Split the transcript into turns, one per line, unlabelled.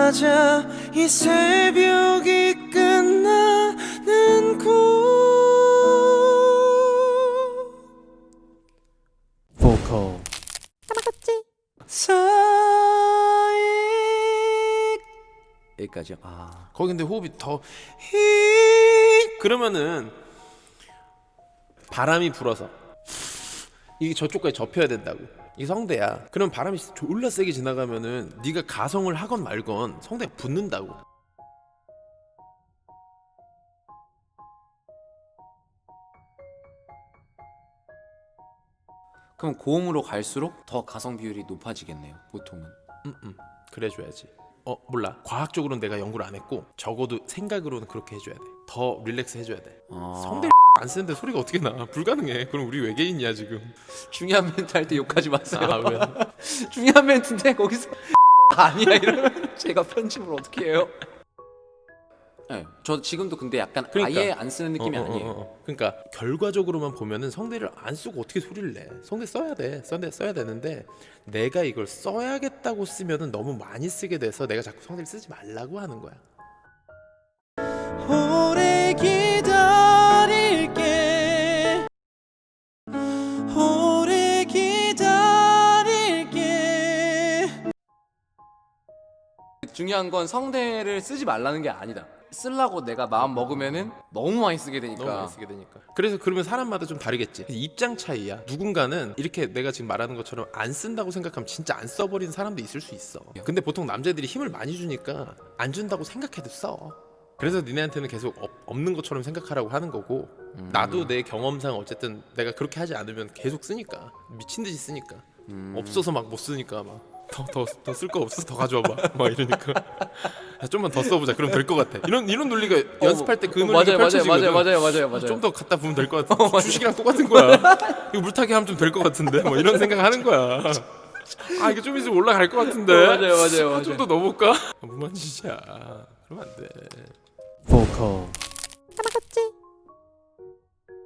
맞아 이 새벽이 끝나는 곳. 보컬 사이 여기까지요. 아 거기 근데 호흡이 더 그러면은 바람이 불어서 이게 저쪽까지 접혀야 된다고. 이 성대야. 그럼 바람이 졸라 세게 지나가면은 네가 가성을 하건 말건 성대가 붙는다고.
그럼 고음으로 갈수록 더 가성 비율이 높아지겠네요, 보통은.
그래줘야지. 몰라. 과학적으로는 내가 연구를 안 했고 적어도 생각으로는 그렇게 해줘야 돼. 더 릴렉스 해줘야 돼. 성대 안 쓰는데 소리가 어떻게 나? 불가능해. 그럼 우리 외계인이야 지금.
중요한 멘트 할 때 욕하지 마세요.
아 왜?
중요한 멘트인데 거기서 아니야 이러면 제가 편집을 어떻게 해요? 네, 저 지금도 근데 약간
그러니까.
아예 안 쓰는 느낌이 아니에요.
그러니까 결과적으로만 보면은 성대를 안 쓰고 어떻게 소리를 내? 성대 써야 돼. 성대 써야 되는데 내가 이걸 써야겠다고 쓰면은 너무 많이 쓰게 돼서 내가 자꾸 성대를 쓰지 말라고 하는 거야. 오래 기다릴게. 오래 기다릴게.
중요한 건 성대를 쓰지 말라는 게 아니다. 쓰려고 내가 마음 먹으면은 너무 많이 쓰게 되니까.
너무 많이 쓰게 되니까. 그래서 그러면 사람마다 좀 다르겠지. 입장 차이야. 누군가는 이렇게 내가 지금 말하는 것처럼 안 쓴다고 생각하면 진짜 안 써버리는 사람도 있을 수 있어. 근데 보통 남자들이 힘을 많이 주니까 안 준다고 생각해도 써. 그래서 니네한테는 계속 없는 것처럼 생각하라고 하는 거고 나도 내 경험상 어쨌든 내가 그렇게 하지 않으면 계속 쓰니까 미친 듯이 쓰니까 없어서 막 못 쓰니까 막 더 쓸 거 없어서 더 가져와봐 막 이러니까 야, 좀만 더 써보자 그럼 될 것 같아 이런 논리가 연습할 때 그 논리가 펼쳐지거든.
맞아요.
좀 더 갖다 부으면 될 것 같아. 주식이랑 똑같은 거야. 이거 물타기 하면 좀 될 것 같은데 뭐 이런 생각 하는 거야. 아 이게 좀 있으면 올라갈 것 같은데
맞아요.
좀 더 넣어볼까? 무만지지야. 그러면 안 돼. 보컬